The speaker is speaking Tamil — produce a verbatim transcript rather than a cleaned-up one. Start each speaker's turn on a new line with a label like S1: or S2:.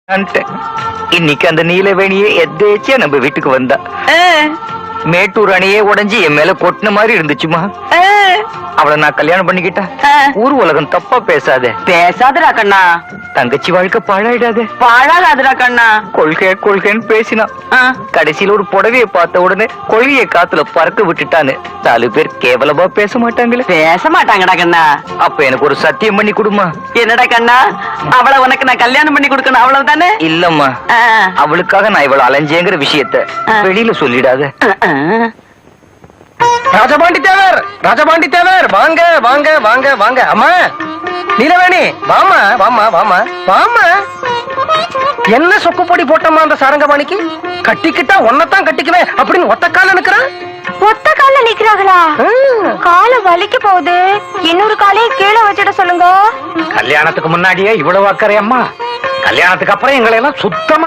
S1: இன்னைக்கு அந்த நீலவேணியே எதேச்சியா நம்ம வீட்டுக்கு வந்தா. மேட்டூர் அணையே உடைஞ்சு என் மேல கொட்டின மாதிரி இருந்துச்சுமா. அவளை நான் கல்யாணம் பண்ணிக்கிட்டா ஊர் உலகம் தப்பா பேசாத.
S2: பேசாதடா கண்ணா.
S1: தங்கச்சி வாழ்க்கை பாழாயிடாத.
S2: பாழாகாதடா கண்ணா.
S1: கொள்கை கொள்கைன்னு பேசினா கடைசியில ஒரு புடவையை பார்த்த உடனே கொள்கையை காத்துல பறக்க விட்டுட்டான்னு நாலு பேர் கேவலமா பேச மாட்டாங்களே.
S2: பேச மாட்டாங்கடா கண்ணா.
S1: அப்ப எனக்கு ஒரு சத்தியம் பண்ணி கொடுமா.
S2: என்னடா கண்ணா, அவளை உனக்கு நான் கல்யாணம் பண்ணி கொடுக்கணும் அவ்வளவுதானே?
S1: இல்லம்மா, அவளுக்காக நான் இவ்வளவு அலைஞ்சேங்கிற விஷயத்த வெளியில சொல்லிடாத.
S3: ராஜபாண்டி தேவர், ராஜபாண்டி தேவர், வாங்க வாங்க வாங்க வாங்க. அம்மா நீலவேணி, வாமா வாமா வாமா வாமா. என்ன சொக்கு பொடி போட்டம்மா அந்த சாரங்கபாணிக்கு? கட்டிக்கிட்டா ஒன்னதான் கட்டிக்குவேன் அப்படின்னு ஒத்த கால நிக்கிறான்.
S4: ஒத்த கால நிக்கிறாங்களா? கால வலிக்க போகுது, இன்னொரு காலையை கீழே வச்சிட சொல்லுங்க.
S3: கல்யாணத்துக்கு முன்னாடியே இவ்வளவு அக்கறை அம்மா, கல்யாணத்துக்கு அப்புறம் எங்களை எல்லாம் சுத்தமா